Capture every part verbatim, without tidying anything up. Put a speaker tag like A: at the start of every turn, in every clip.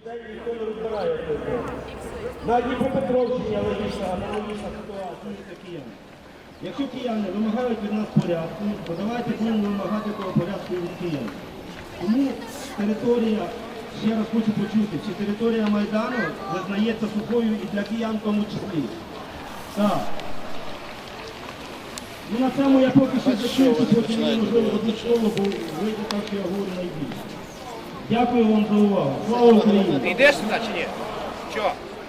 A: Ніхто не розбирає цього. На Дніпропетровщині аналогічна ситуація для киян. Якщо кияни вимагають від нас порядку, то давайте будемо вимагати того порядку від киян. Тому територія, ще раз хочу почути, чи територія Майдану визнається сухою і для киян в тому числі. Так. Ну на цьому я поки що закінчу, потім можливо одне слово, бо вийде так, що я говорю найбільше. Дякую вам за увагу. Слава Україні!
B: Ти йдеш сюди чи ні? Чого?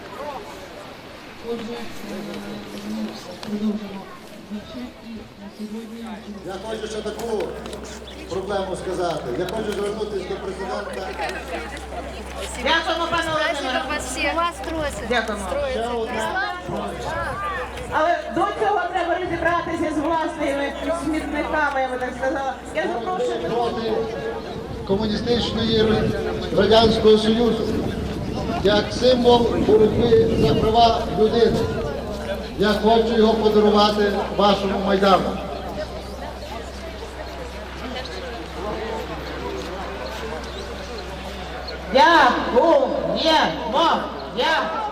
C: Я хочу ще таку проблему сказати. Я хочу звернутися до президента.
D: Дякуємо, пане Володимире.
E: Вас тросить.
D: Дякуємо.
C: Ще одна.
D: Але до цього треба розібратися з власними смітниками, я би так сказала. Я запрошую.
C: Проти комуністичної Радянського Союзу як символ боротьби за права людини. Я хочу його подарувати вашому Майдану.
D: Дякуємо. Дякуємо.